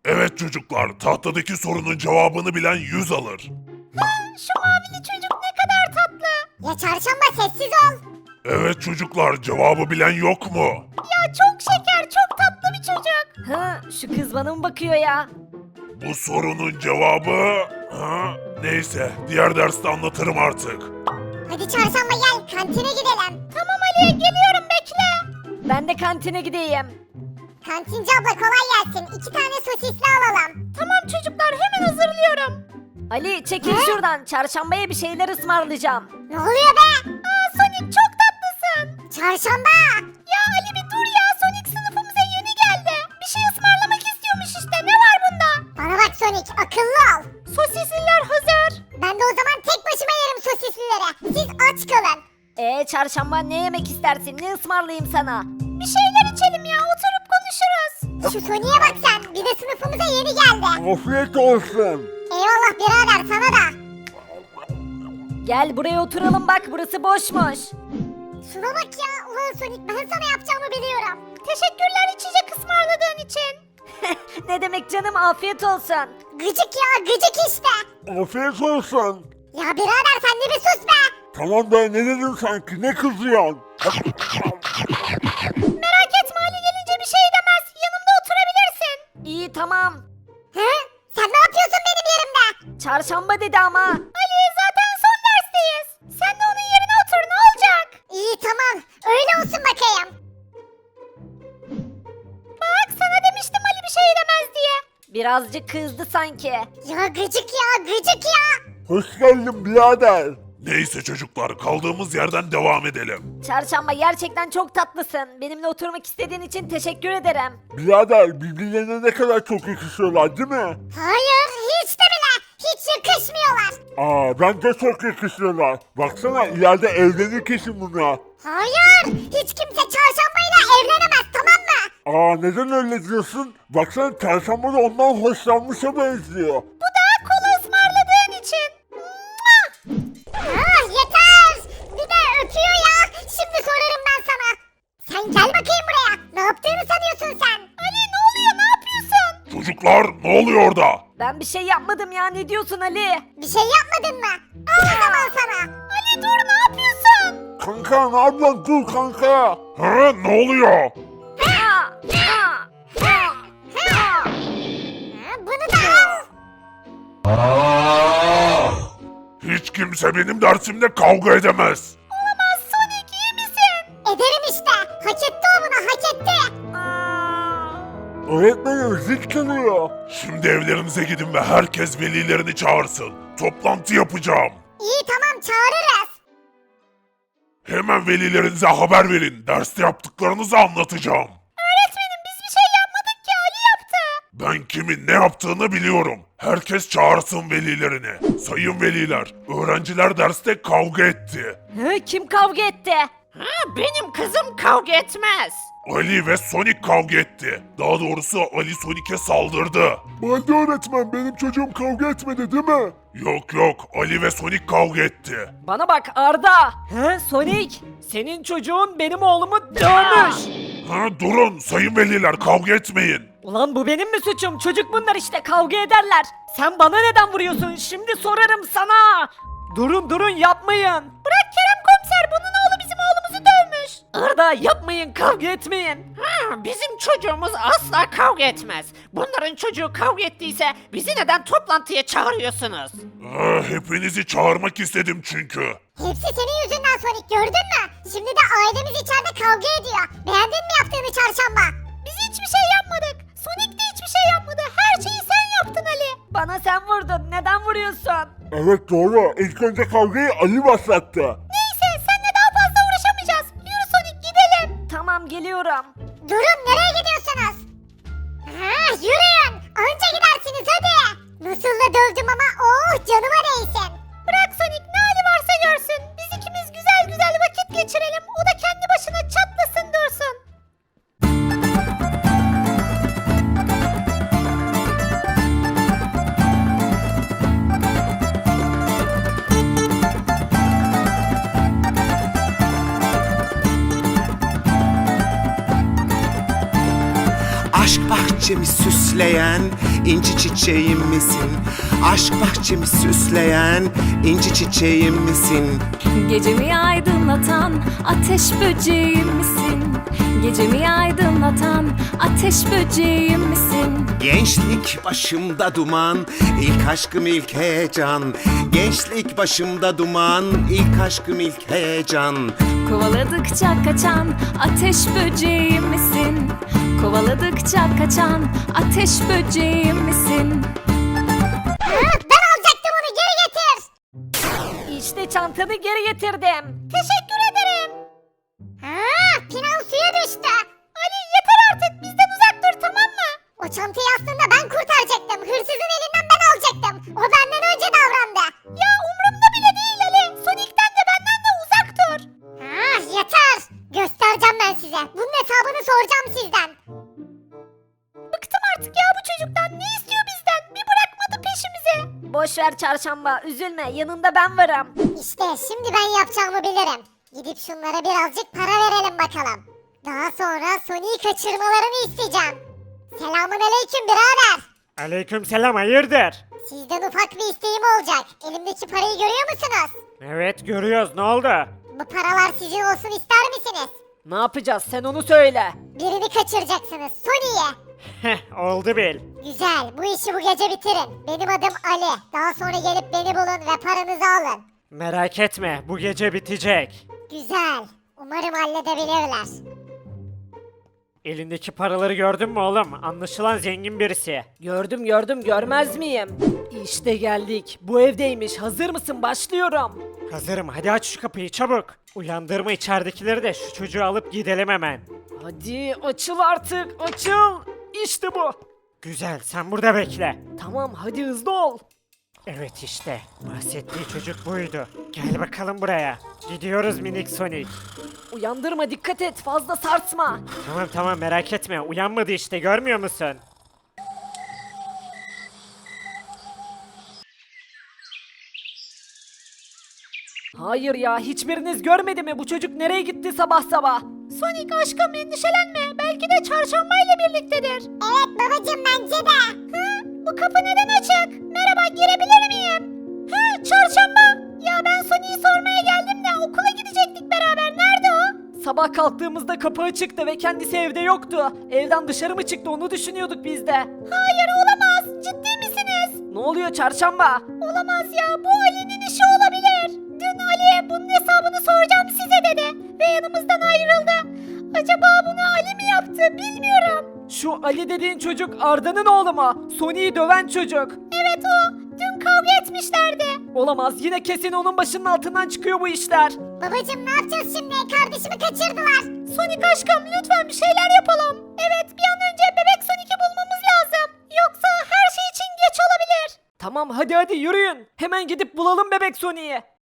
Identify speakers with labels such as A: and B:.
A: Evet çocuklar, tahtadaki sorunun cevabını bilen 100 alır.
B: Şu mavili çocuk ne kadar tatlı.
C: Ya çarşamba sessiz ol.
A: Evet çocuklar, cevabı bilen yok mu?
B: Ya çok şeker, çok tatlı bir çocuk.
D: Ha, şu kız bana mı bakıyor ya?
A: Bu sorunun cevabı... Neyse, diğer derste anlatırım artık.
C: Hadi çarşamba gel kantine gidelim.
B: Tamam Ali, geliyorum bekle.
D: Ben de kantine gideyim.
C: Kantinci abla kolay gelsin. 2 tane sosisli alalım.
B: Tamam çocuklar, hemen hazırlıyorum.
D: Ali çekil şuradan. Çarşambaya bir şeyler ısmarlayacağım.
C: Ne oluyor be?
B: Sonic çok tatlısın.
C: Çarşamba.
B: Ya Ali bir dur ya, Sonic sınıfımıza yeni geldi. Bir şey ısmarlamak istiyormuş işte, ne var bunda?
C: Bana bak Sonic akıllı ol.
B: Sosisliler hazır.
C: Ben de o zaman tek başıma yerim sosislileri. Siz aç kalın.
D: Çarşamba ne yemek istersin? Ne ısmarlayayım sana?
B: Bir şeyler içelim ya, oturup konuşuruz.
C: Şu Sonic'e bak sen. Bir de sınıfımıza yeni geldi.
E: Afiyet olsun.
C: Eyvallah birader sana da.
D: Gel buraya oturalım bak burası boşmuş.
C: Şuna bak ya. Ulan Sonic ben sana yapacağımı biliyorum.
B: Teşekkürler içecek ısmarladığın için.
D: Ne demek canım afiyet olsun.
C: Gıcık ya gıcık işte.
E: Afiyet olsun.
C: Ya birader sen de bir sus be.
E: Tamam be, ne dedin sanki, ne kızıyorsun?
B: Merak etme, Ali gelince bir şey demez. Yanımda oturabilirsin.
D: İyi tamam.
C: He? Sen ne yapıyorsun benim yerimde?
D: Çarşamba dedi ama.
B: Ali zaten son dersteyiz. Sen de onun yerine otur, ne olacak?
C: İyi tamam. Öyle olsun bakayım.
B: Bak sana demiştim Ali bir şey demez diye.
D: Birazcık kızdı sanki.
C: Ya gıcık ya gıcık ya.
E: Hoş geldin birader.
A: Neyse çocuklar, kaldığımız yerden devam edelim.
D: Çarşamba gerçekten çok tatlısın. Benimle oturmak istediğin için teşekkür ederim.
E: Birader, birbirlerine ne kadar çok yakışıyorlar değil mi?
C: Hayır hiç de bile. Hiç yakışmıyorlar.
E: Bence çok yakışıyorlar. Baksana, ileride evlenir kesin bunlar.
C: Hayır. Hiç kimse çarşambayla evlenemez tamam mı?
E: Neden öyle diyorsun? Baksana, çarşamba da ondan hoşlanmışa benziyor.
B: Bu da kola ısmarladığın için.
C: Yeter. Bir de öpüyor ya. Şimdi sorarım ben sana. Sen gel bakayım buraya. Ne yaptığını sanıyorsun sen?
B: Ali ne oluyor, ne yapıyorsun?
A: Çocuklar, ne oluyor orada?
D: Ben bir şey yapmadım ya ne diyorsun Ali?
C: Bir şey yapmadın mı? Al o zaman sana.
B: Ali dur, ne yapıyorsun?
E: Kanka, ne yapıyorsun? Dur kanka.
A: Ne oluyor?
C: Bunu da al.
A: Hiç kimse benim dersimde kavga edemez.
B: Olamaz Sonic, iyi misin?
C: Ederim işte. Hak etti o bunu hak etti.
E: Öğretmenim zil çalıyor.
A: Şimdi evlerinize gidin ve herkes velilerini çağırsın. Toplantı yapacağım.
C: İyi tamam çağırırız.
A: Hemen velilerinize haber verin. Derste yaptıklarınızı anlatacağım.
B: Öğretmenim biz bir şey yapmadık ki, Ali yaptı.
A: Ben kimin ne yaptığını biliyorum. Herkes çağırsın velilerini. Sayın veliler, öğrenciler derste kavga etti.
D: Kim kavga etti?
B: Benim kızım kavga etmez.
A: Ali ve Sonic kavga etti. Daha doğrusu Ali Sonic'e saldırdı.
E: Balde öğretmen, benim çocuğum kavga etmedi değil mi?
A: Yok, Ali ve Sonic kavga etti.
D: Bana bak Arda. Sonic. Senin çocuğun benim oğlumu dövmüş.
A: Durun sayın veliler, kavga etmeyin.
D: Ulan bu benim mi suçum? Çocuk bunlar işte kavga ederler. Sen bana neden vuruyorsun? Şimdi sorarım sana. Durun yapmayın.
B: Bırak Kerem komiser, bunun oğlu bizim oğlumuzu dövmüş.
D: Arda yapmayın kavga etmeyin.
F: Bizim çocuğumuz asla kavga etmez. Bunların çocuğu kavga ettiyse bizi neden toplantıya çağırıyorsunuz?
A: Hepinizi çağırmak istedim çünkü.
C: Hepsi senin yüzünden Sonic gördün mü? Şimdi de ailemiz içeride kavga ediyor. Beğendin mi yaptığını çarşamba?
B: Biz hiçbir şey yapmadık. Sonic de hiçbir şey yapmadı. Her şeyi sen yaptın Ali.
D: Bana sen vurdun. Neden vuruyorsun?
E: Evet doğru. İlk önce kavgayı Ali başlattı.
B: Neyse, seninle daha fazla uğraşamayacağız. Yürü Sonic, gidelim.
D: Tamam geliyorum.
C: Durun nereye gidiyorsunuz? Yürüyün. Anca gidersiniz hadi. Nasıl da dövdüm ama canıma değsin.
B: Bırak Sonic, ne hali varsa görsün. Biz ikimiz güzel güzel vakit geçirelim. O da kendi başına çatlasın dursun.
G: Aşk bahçesi bahçemi süsleyen inci çiçeğim misin? Aşk bahçemi süsleyen inci çiçeğim misin?
H: Gecemi aydınlatan ateş böceğim misin? Gecemi aydınlatan ateş böceğim misin?
G: Gençlik başımda duman, ilk aşkım ilk heyecan. Gençlik başımda duman, ilk aşkım ilk heyecan.
H: Kovaladıkça kaçan ateş böceğim misin? Kovaladıkça kaçan ateş böceğim misin?
C: Ben alacaktım onu, geri getir.
D: İşte çantanı geri getirdim.
B: Teşekkür ederim.
C: Pinan suya düştü.
B: Ali yeter artık bizden uzak dur tamam mı?
C: O çantayı aslında ben kurtaracaktım. Hırsızın elinden ben alacaktım. O benden önce davrandı.
B: Ya umurumda bile değil Ali. Sonic'ten de benden de uzak dur.
C: Yeter. Göstereceğim ben size. Bunun hesabını soracağım sizden.
B: Bıktım artık ya bu çocuktan. Ne istiyor bizden? Bir bırakmadı peşimizi.
D: Boş ver çarşamba, üzülme, yanında ben varım.
C: İşte şimdi ben yapacağımı bilirim. Gidip şunlara birazcık para verelim bakalım. Daha sonra Sonic'i kaçırmalarını isteyeceğim. Selamun aleyküm birader.
I: Aleykümselam, hayırdır?
C: Sizden ufak bir isteğim olacak. Elimdeki parayı görüyor musunuz?
I: Evet, görüyoruz, ne oldu?
C: Bu paralar sizin olsun ister misiniz?
D: Ne yapacağız sen onu söyle.
C: Birini kaçıracaksınız, Sonic'i.
I: Heh, oldu bil.
C: Güzel, bu işi bu gece bitirin. Benim adım Ali. Daha sonra gelip beni bulun ve paranızı alın.
I: Merak etme, bu gece bitecek.
C: Güzel. Umarım halledebilirler.
I: Elindeki paraları gördün mü oğlum? Anlaşılan zengin birisi.
D: Gördüm görmez miyim? İşte geldik. Bu evdeymiş. Hazır mısın? Başlıyorum.
I: Hazırım, hadi aç şu kapıyı çabuk. Uyandırma içeridekileri de şu çocuğu alıp gidelim hemen.
D: Hadi açıl artık. Açıl. İşte bu.
I: Güzel, sen burada bekle.
D: Tamam hadi hızlı ol.
I: Evet işte, bahsettiği çocuk buydu. Gel bakalım buraya. Gidiyoruz minik Sonic.
D: Uyandırma dikkat et. Fazla sarsma.
I: Tamam merak etme, uyanmadı işte, görmüyor musun?
D: Hayır ya hiçbiriniz görmedi mi? Bu çocuk nereye gitti sabah sabah?
B: Sonic aşkım endişelenme. Belki de çarşambayla birliktedir.
C: Evet babacım, bence de.
B: Bu kapı neden açık? Merhaba girebilir miyim? Çarşamba. Ya ben Sonic'i sormaya geldim de okula gidecektik beraber. Nerede o?
D: Sabah kalktığımızda kapı açıktı ve kendisi evde yoktu. Evden dışarı mı çıktı onu düşünüyorduk biz de.
B: Hayır olamaz. Ciddi misiniz?
D: Ne oluyor çarşamba?
B: Olamaz ya. Bu Ali'nin işi olabilir. Dün Ali'ye bunun hesabını soracağım size dedi. Ve yanımızdan ayrıldı. Acaba bunu Ali mi yaptı bilmiyorum.
D: Şu Ali dediğin çocuk Arda'nın oğlu mu? Sony'yi döven çocuk.
B: Evet o. Dün kavga etmişlerdi.
D: Olamaz yine kesin onun başının altından çıkıyor bu işler.
C: Babacım ne yapacağız şimdi? Kardeşimi kaçırdılar.
B: Sonic aşkım lütfen bir şeyler yapalım. Evet bir an önce bebek Sonic'i bulmamız lazım. Yoksa her şey için geç olabilir.
D: Tamam hadi yürüyün. Hemen gidip bulalım bebek Sony'yi.